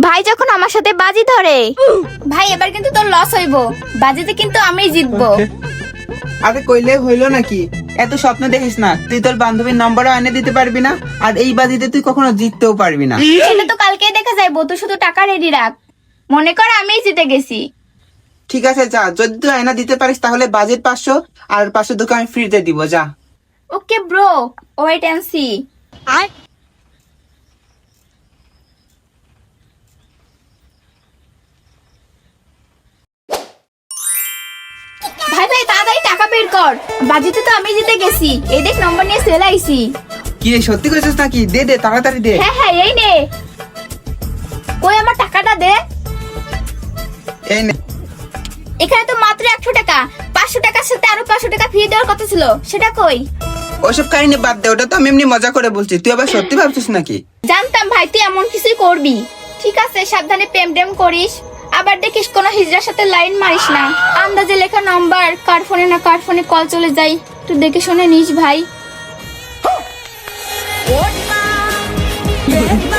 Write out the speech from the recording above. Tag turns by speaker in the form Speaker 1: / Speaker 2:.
Speaker 1: ভাই যখন আমার সাথে বাজি ধরে।
Speaker 2: ভাই এবার কিন্তু তোর লস হইব, বাজিতে কিন্তু আমিই জিতবো।
Speaker 3: আরে কইলে হইলো নাকি? এত স্বপ্ন দেখিস না, তুই তোর বান্ধবীর নম্বরও এনে দিতে পারবি না, আর এই বাজিতে তুই কখনো জিততেও পারবি না।
Speaker 2: সেটা তো কালকেই দেখা যাইবো, তুই শুধু টাকা রেডি রাখ। মনে কর আমিই জিতে গেছি।
Speaker 3: ঠিক আছে যা, যদি তুই আয়না দিতে পারিস তাহলে বাজেট 500 আর 500 তোকে আমি ফ্রিতে দিব, যা।
Speaker 2: Okay bro, wait and see. ভাই ভাই তাড়াতাড়ি টাকা বের কর, বাজিতে তো আমি জিতে গেছি। এই দেখ নম্বর নিয়ে চলে আইছি।
Speaker 3: কি রে, সত্যি কইছিস নাকি? দে দে, তাড়াতাড়ি দে।
Speaker 2: হ্যাঁ হ্যাঁ এই নে। কই আমার টাকাটা দে।
Speaker 3: এই নে।
Speaker 2: এখানে তো মাত্র 100 টাকা, 500 টাকার সাথে আরো 500 টাকা ফি দেওয়ার কথা ছিল, সেটা কই?
Speaker 3: ওসব কাহিনী বাদ দে, ওটা তো আমি এমনি মজা করে বলছি, তুই আবার সত্যি ভাবছিস নাকি?
Speaker 2: জানতাম ভাই তুই এমন কিছুই করবি। ঠিক আছে সাবধানে প্রেম টেম করিস, আবার দেখিস কোনো হিজড়ার সাথে লাইন মারিস না। আন্দাজে লেখা নাম্বার কার ফোনে না কার ফোনে কল চলে যায়, তুই দেখে শুনে নিস ভাই।